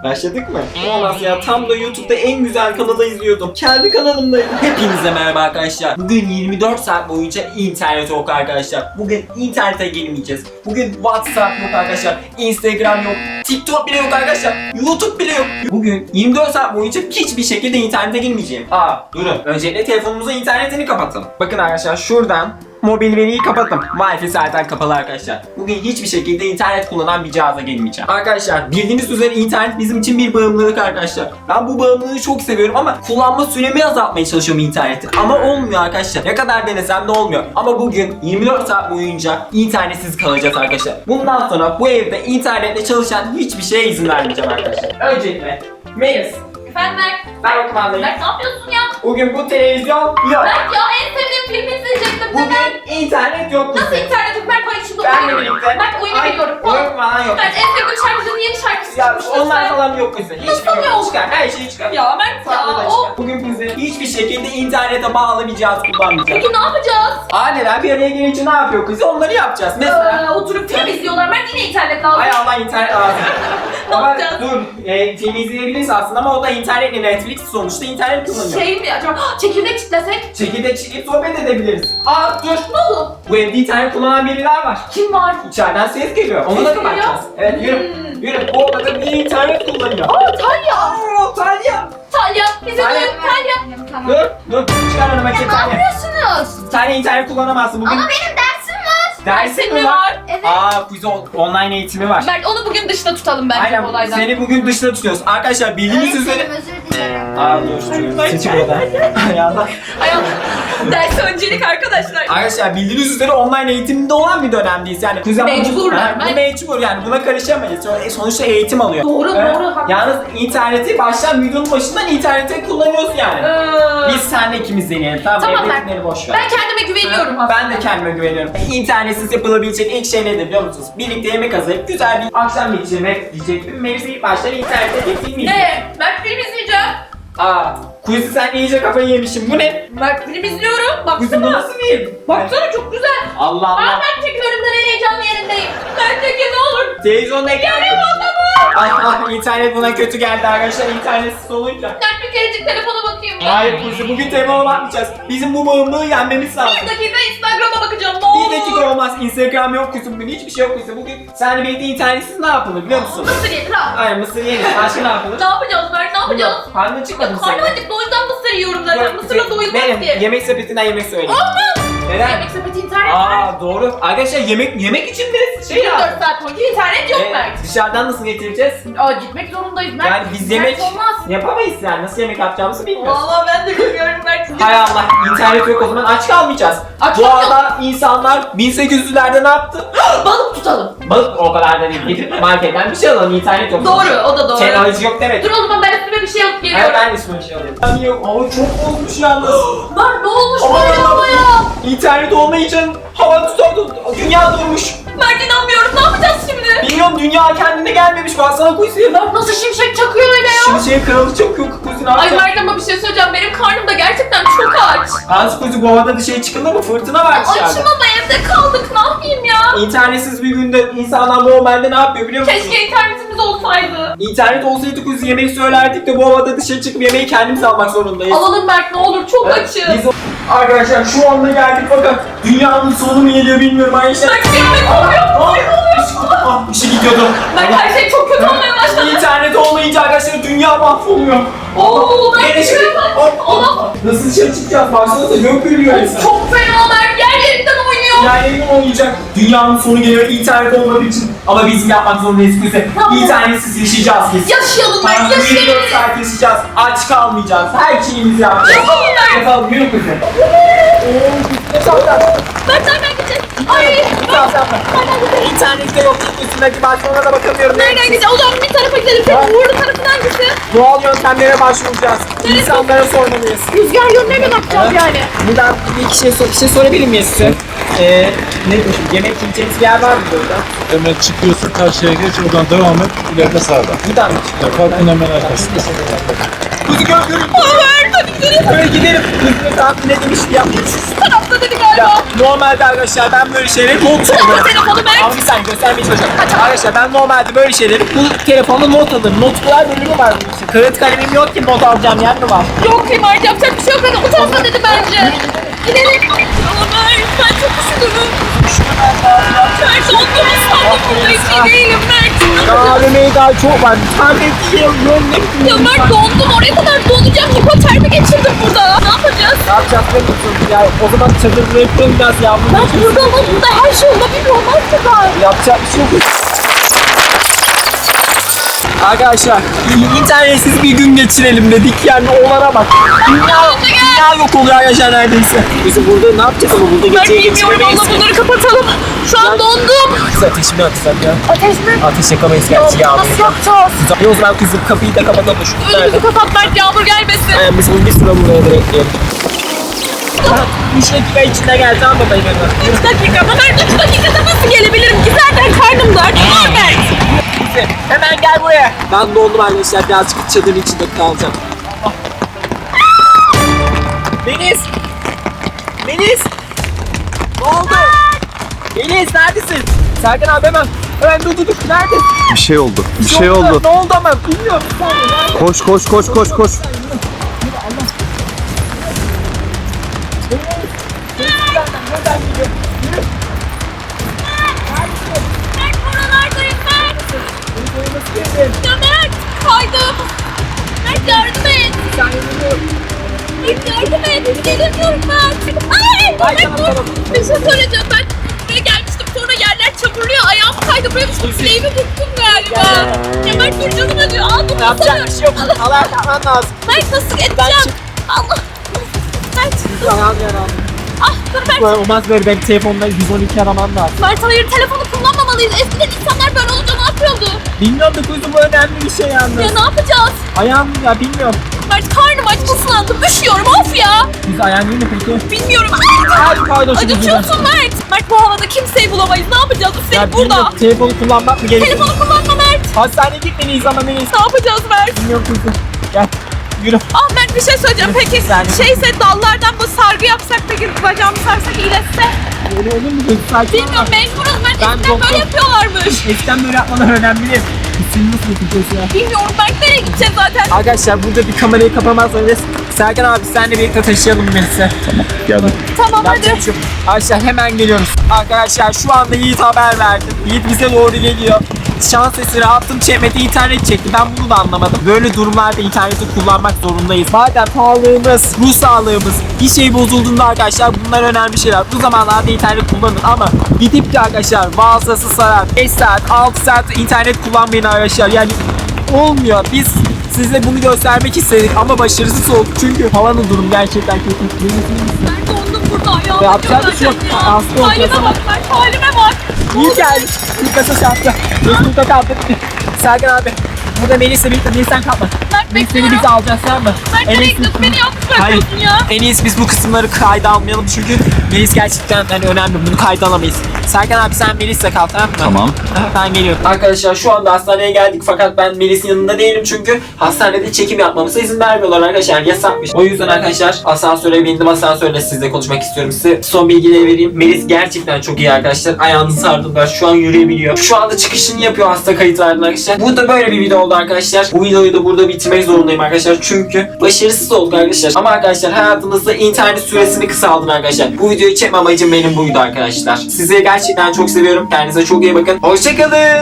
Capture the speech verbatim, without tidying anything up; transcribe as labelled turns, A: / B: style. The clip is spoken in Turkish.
A: Başladık mı? Olmaz ya, tam da YouTube'da en güzel kanalı izliyordum. Kendi kanalımdayım. Hepinize merhaba arkadaşlar. Bugün yirmi dört saat boyunca internet yok arkadaşlar. Bugün internete girmeyeceğiz. Bugün WhatsApp yok arkadaşlar. Instagram yok. TikTok bile yok arkadaşlar. YouTube bile yok. Bugün yirmi dört saat boyunca hiçbir şekilde internete girmeyeceğim. Aa durun. Öncelikle telefonumuzun internetini kapatalım. Bakın arkadaşlar şuradan mobil veriyi kapattım. Wi-Fi zaten kapalı arkadaşlar. Bugün hiçbir şekilde internet kullanan bir cihaza gelmeyeceğim. Arkadaşlar bildiğiniz üzere internet bizim için bir bağımlılık arkadaşlar. Ben bu bağımlılığı çok seviyorum ama kullanma süremi azaltmaya çalışıyorum interneti. Ama olmuyor arkadaşlar. Ne kadar denesem de olmuyor. Ama bugün yirmi dört saat boyunca internetsiz kalacağız arkadaşlar. Bundan sonra bu evde internetle çalışan hiçbir şeye izin vermeyeceğim arkadaşlar. Öncelikle Melis.
B: Efendim Berk.
A: Ben kumandayım.
B: Berk ne yapıyorsun ya?
A: Bugün bu televizyon yok.
B: Berk ya en sevdiğim filmi izleyecektim.
A: Bugün internet yok.
B: Nasıl internet yok? Berk bana şunu
A: Ben de
B: oynuyorum.
A: birlikte.
B: Berk oyunu
A: Ay,
B: biliyorum.
A: oyun falan yok.
B: Berk en sevdiğim şarkıcının yeni şarkısı
A: Ya
B: çıkmış.
A: onlar
B: lütfen.
A: falan yok bizde. Hiçbir
B: Nasıl
A: yok.
B: yok?
A: Çıkar. Her şeyi çıkar.
B: Ya Berk
A: Farklı da
B: ya.
A: çıkar.
B: O...
A: Bugün bizi hiçbir şekilde internete bağlı bir cihaz kullanmayacağız.
B: Peki ne yapacağız?
A: Aileler bir araya gelince ne yapıyor kızı? Onları yapacağız. Mesela.
B: Ee, oturup film izliyorlar. Berk yine internet lazım.
A: Ay Allah internet lazım.
B: Ne
A: Ama
B: yapacağız?
A: dur. E, film izleyebiliriz aslında ama o da internetle Netflix sonuçta internet kullanıyor.
B: Şey mi acaba? Çekirdek çitlesek?
A: Çekirdek çekip sohbet edebiliriz. Aa dur.
B: Ne oldu?
A: Bu evde internet kullanan biriler var.
B: Kim var?
A: İçeriden ses geliyor. Onu
B: Ses
A: da
B: geliyor?
A: kapatacağız. Evet yürü.
B: Hmm.
A: Yürü. Bu odada bir internet kullanıyor.
B: Aa Talya.
A: Aa Talya.
B: Talya. Bize
A: Talya.
B: duyun Talya.
C: Tamam.
A: Dur. Dur. Çıkar önüme
C: Ne
A: Talya.
C: yapıyorsunuz?
A: Talya internet kullanamazsın bugün.
C: Ama benim dersim var.
A: Dersin mi
B: mi
A: var?
B: var?
C: Evet.
A: Aa quiz on- online eğitimi var.
B: Berk onu bugün dışta tutalım bence bu
A: Aynen
B: olaydan.
A: seni bugün dışta tutuyoruz. Arkadaşlar bildiğiniz üzere...
C: Öğretmenim özür dilerim.
A: Aa dur. Seçim burada. Ayağlar.
B: Ayol, ders öncelik arkadaşlar.
A: Arkadaşlar bildiğiniz üzere online eğitimde olan bir dönemdeyiz. Yani kuzen
B: Mecburlar.
A: Ha, bu
B: Ben-
A: mecbur yani buna karışamayız. Sonra- Sonuçta eğitim alıyor.
B: Doğru,
A: Evet.
B: doğru, haklısın.
A: Yalnız interneti baştan videonun başından internete kullanıyoruz yani.
B: Ee,
A: Biz seninle ikimiz deneyelim. Tamam,
B: Tamam,
A: evdekileri boş ver.
B: ben kendime güveniyorum aslında.
A: Ben de kendime güveniyorum. İnternetsiz yapılabilecek ilk şey nedir biliyor musunuz? Birlikte yemek hazırlayıp güzel bir akşam geçirmek diyecektim. Melis'i ilk baştan internette bir film izledim.
B: Ne? Ben film izleyeceğim.
A: Aa, Quiz'i sen iyice kafayı yemişsin. Bu ne?
B: Ben film izliyorum.
A: Quiz'i bu
B: Baksana.
A: nasıl bir?
B: Baksana çok güzel.
A: Allah
B: Aa
A: Allah.
B: ben çekin önümden en heyecanlı yerindeyim. Ben çekin ne olur.
A: Televizyonda ekran.
B: Yarım adamı.
A: Ay ah internet buna kötü geldi arkadaşlar internetsiz olunca.
B: Ben bir kerecik telefona bakayım ya.
A: Hayır Quiz'i bugün telefona bakmayacağız. Bizim bu bağımlılığı yenmemiz lazım.
B: Bir dakika Instagram'a bakacağım ne olur.
A: Bir dakika olmaz. Instagram yok Quiz'i bugün. Hiçbir şey yok Quiz'i. Bugün seninle birlikte internetsiz ne yapılır biliyor musun?
B: Mısır yedir ha.
A: Hayır mısır yeriz. Başka ne yapılır?
B: Ne yapacağız Berk ne yapacağız?
A: Yok, karnın çıkmadı mı
B: Karnım
A: senin?
B: acıktı o yüzden mısır yiyorum zaten.
A: Yok,
B: Mısırla
A: Quiz'i-
B: doyulmaz
A: Benim
B: ki.
A: yemek sepetinden yemek söyleyeyim.
B: Olmaz.
A: Neden?
B: Yemek sepeti internet var.
A: Aa doğru. Arkadaşlar yemek yemek için de şey
B: yirmi
A: lazım.
B: dört saat boyunca internet yok
A: Evet,
B: Berk.
A: dışarıdan nasıl getireceğiz?
B: Aa gitmek zorundayız Berk.
A: Yani biz
B: İnternet
A: yemek
B: olmaz.
A: yapamayız yani. Nasıl yemek yapacağımızı bilmiyoruz.
B: Valla ben de bilmiyorum Berk.
A: Hay Allah internet yok o zaman aç kalmayacağız.
B: Aç
A: Bu
B: kalmayalım.
A: arada insanlar bin sekiz yüzlerde ne yaptı?
B: Balık tutalım.
A: Balık o kadar da değil. Gidip marketten bir şey alalım internet yok.
B: Doğru o da doğru.
A: Teknoloji yok demek.
B: Dur o zaman ben üstüme bir şey alıp
A: Hayır
B: geliyorum.
A: ben de üstüme bir şey alayım. Yani yok hava çok bozmuş yalnız.
B: Lan ne olmuş
A: Aman
B: böyle
A: Allah'ım.
B: havaya?
A: İnternet olmayınca hava tutardı. Dünya durmuş.
B: Ben inanmıyorum ne yapacağız şimdi?
A: Bilmiyorum dünya kendine gelmemiş. Baksana kuyusuya.
B: Berk nasıl şimşek çakıyor öyle ya?
A: Şimdi şey kralı çok yok kuyusu ne
B: Ay
A: yapacak?
B: Berk ama bir şey söyleyeceğim benim karnım da gerçekten çok aç.
A: Hans kuyusu bu havada dışarı çıkılır mı? Fırtına var dışarıda.
B: Açım ama evde kaldık ne yapayım ya?
A: İnternetsiz bir günde insanlar normalde ne yapıyor biliyor musun?
B: Keşke internetimiz olsaydı.
A: İnternet olsaydı kuyusu yemek söylerdik de bu havada dışarı çıkıp yemeği kendimiz almak zorundayız.
B: Alalım Berk ne olur çok
A: Evet,
B: açım.
A: biz o- Arkadaşlar şu anda geldik fakat dünyanın sonu mu geliyor bilmiyorum arkadaşlar.
B: Berk bir yemek oluyor.
A: Ah, ah, bir şey gidiyordu.
B: Berk her şey çok kötü olmaya başladı.
A: İnternet olmayınca arkadaşlar dünya mahvoluyor.
B: Oo Berk
A: Nereye
B: şuraya
A: çıkıyor?
B: bak.
A: Oh, oh, oh. Nasıl dışarı çıkacağız? Baksanıza gök gülüyor resmen.
B: Çok fena Berk yer yerinden oynuyor.
A: Yani olmayacak. Dünyanın sonu geliyor internet olmadığı için. Ama bizim yapmak zorundayız bize.
B: Tamam.
A: İnternetsiz yaşayacağız biz.
B: Yaşayalım Berk
A: Hayatımızı yirmi dört
B: yaşayalım.
A: saat yaşayacağız. Aç kalmayacağız. Her şeyimizi yapacağız.
B: Yapalım Berk.
A: Yapalım yürü kızım.
B: Berk nereden gideceğiz? Ay.
A: İnternette yok. Üstündeki başvurulara da bakamıyorum.
B: Nereden gideceğiz? O zaman bir tarafa gidelim.
A: Ha.
B: Senin uğurlu tarafın hangisi?
A: Doğal yöntemlere başvuracağız. İnsanlara sormalıyız.
B: Rüzgar yönüne mi bakacağız
A: Evet.
B: yani?
A: Buradan bir iki şey, sor bir şey sorabilir miyiz size? Ee, ne diyorsun? Yemek yiyeceğimiz bir yer var mı burada?
D: Hemen çıkıyorsun karşıya geç oradan devam et. İleride sağda.
A: Buradan mı?
D: Ya parkın hemen arkasında.
A: Kuzu gör görün.
B: Ömer hadi gidelim.
A: Böyle gidelim. Kuzu tahmin ne demişti yapmış.
B: Şu tarafta dedi galiba.
A: Ya normalde arkadaşlar ben böyle şeyleri not
B: Ama
A: alırım.
B: telefonu Mert.
A: Ama bir saniye göstermeye çalışıyorum. Arkadaşlar ben normalde böyle şeyleri bu telefonda not alırım. Notlar bölümü var bunun için. Kağıt kalemim yok ki not alacağım yer mi var?
B: Yok Mert yapacak bir şey yok. Hadi o tarafa dedi bence. Gidelim. Ama Mert ben çok üşüdüm. Mert dondum sandım burada hiç iyi değilim Mert.
A: Ya A V M'ye daha çok var. Bir tane bir şey yok. Ne
B: Ya Mert dondum oraya kadar donacağım. Hipotermi geçirdim burada. Ne yapacağız?
A: Ne yapacağız biliyor musun? Ya o zaman çadırları yapalım biraz yavrum.
B: Mert burada ama burada her şey olabilir. Olmaz kadar.
A: Yapacak bir şey yok. Arkadaşlar internetsiz bir gün geçirelim dedik yani olana bak. Dünya, dünya yok oluyor arkadaşlar neredeyse. Biz burada ne yapacağız ama burada
B: Mert
A: geceyi
B: bilmiyorum
A: geçiremeyiz.
B: valla bunları kapatalım. Şu an dondum.
A: Biz ateşi mi atsak ya?
B: Ateş mi?
A: Ateş yakamayız gerçi yağmur.
B: Nasıl yapacağız?
A: E o zaman kızım kapıyı da kapatalım şu
B: Önümüzü kapat Mert yağmur gelmesin.
A: Yani biz bunu bir sıra buraya bekleyelim. üç dakika içinde geldi ama ben hemen.
B: üç dakika ama Mert üç dakikada nasıl gelebilirim ki zaten karnım da aç. Mert.
A: Hemen gel buraya. Ben dondum arkadaşlar birazcık çadırın içinde kalacağım. Deniz! Deniz! Ne oldu? Deniz neredesin? Serkan abi hemen. Hemen dur dur dur. Neredesin?
E: Bir şey oldu. Bir şey oldu.
A: Ne oldu ama bilmiyorum. Bir saniye, nerede?
E: Koş koş koş koş koş.
A: Nereden gidiyor? Yürü.
B: Mert buralardayım Mert.
A: Yürü, nasıl girdin?
B: Ya Mert kaydım. Mert yardım et.
A: Sen yürü.
B: Mert yardım et. Gelemiyorum Mert. Ay
A: Ay,
B: Mert
A: tamam,
B: dur.
A: tamam.
B: Bir şey söyleyeceğim ben. Buraya gelmiştim sonra yerler çamurluyor. Ayağım kaydı. Buraya düştüm. Sileğimi burktum galiba. Ya Mert dur canım acıyor. Al bunu
A: Yapacak bir şey yok. Allah yapman lazım.
B: Mert nasıl
A: Ben
B: edeceğim?
A: çık.
B: Allah. Mert.
A: Ayağım yaralı.
B: Ah dur Mert.
A: Böyle olmaz böyle benim telefonda yüz on iki aramam lazım.
B: Mert hayır telefonu kullanmamalıyız. Eskiden insanlar böyle olunca ne yapıyordu?
A: Bilmiyorum da kuzum bu önemli bir şey yalnız.
B: Ya ne yapacağız?
A: Ayağım ya bilmiyorum.
B: Mert karnım aç ıslandım. Üşüyorum of ya.
A: Biz ayağın değil mi peki?
B: Bilmiyorum. Ay,
A: Hadi pardon şimdi.
B: acıtıyorsun Mert. Mert bu havada kimseyi bulamayız. Ne yapacağız? Üstelik
A: Ya
B: burada.
A: bilmiyorum, telefonu kullanmak mı gerekiyor?
B: Telefonu kullanma Mert.
A: Hastaneye gitmeliyiz ama neyiz?
B: Ne yapacağız Mert?
A: Bilmiyorum kuzum. Gel yürü.
B: Ah Mert bir şey söyleyeceğim. Peki
A: Sen-
B: şeyse dallardan bu sargı yapsak peki bacağımı sarsak iyileşse?
A: Öyle olur mu kuzum? Sakin ol.
B: Bilmiyorum mecburuz Mert.
A: Ben
B: Eskiden
A: doktor-
B: böyle yapıyorlarmış.
A: Eskiden böyle yapmalar önemli değil. Bizim nasıl yapacağız ya?
B: Bilmiyorum Mert nereye gideceğiz zaten?
A: Arkadaşlar burada bir kamerayı kapamaz önce Serkan abi senle birlikte taşıyalım Melis'i.
E: Geldim.
B: Tamam hadi.
A: Yapacak bir şey yok. Arkadaşlar hemen geliyoruz. Arkadaşlar şu anda Yiğit haber verdi. Yiğit bize doğru geliyor. Şans eseri attım çekmedi internet çekti. Ben bunu da anlamadım. Böyle durumlarda interneti kullanmak zorundayız. Madem sağlığımız, ruh sağlığımız bir şey bozulduğunda arkadaşlar bunlar önemli şeyler. Bu zamanlarda internet kullanın ama gidip de arkadaşlar bazısı sarar. beş saat, altı saat internet kullanmayın arkadaşlar. Yani olmuyor. Biz size bunu göstermek istedik ama başarısız olduk. Çünkü havanın durumu gerçekten kötü.
B: Mert dondum burada ayağım.
A: Yapacak bir şey yok.
B: acıyor
A: Hasta olacağız
B: Halime
A: ama.
B: bak Mert halime bak.
A: İyi geldi. İlk kasa çarptı. Facebook'ta kaldı. Serkan abi. Burada Melis'le birlikte Melis'ten kalma.
B: Mert
A: Melis seni
B: bekliyorum.
A: biz alacağız tamam mı?
B: Mert
A: En
B: nereye
A: iyisi-
B: gidiyorsun? Beni yalnız
A: Hayır.
B: bırakıyorsun ya.
A: En iyisi biz bu kısımları kayda almayalım çünkü Melis gerçekten hani önemli. Bunu kayda alamayız. Serkan abi sen Melis'le kal tamam mı?
E: Tamam.
A: Ben geliyorum. Arkadaşlar şu anda hastaneye geldik fakat ben Melis'in yanında değilim çünkü hastanede çekim yapmamıza izin vermiyorlar arkadaşlar. Yasakmış. O yüzden arkadaşlar asansöre bindim. Asansörle sizle konuşmak istiyorum. Size son bilgileri vereyim. Melis gerçekten çok iyi arkadaşlar. Ayağını sardılar. Şu an yürüyebiliyor. Şu anda çıkışını yapıyor hasta kayıtlarında arkadaşlar. Bu da böyle bir video oldu arkadaşlar. Bu videoyu da burada bitirmek zorundayım arkadaşlar. Çünkü başarısız olduk arkadaşlar. Ama arkadaşlar hayatınızda internet süresini kısaltın arkadaşlar. Bu videoyu çekme amacım benim buydu arkadaşlar. Sizi gerçekten çok seviyorum. Kendinize çok iyi bakın. Hoşçakalın.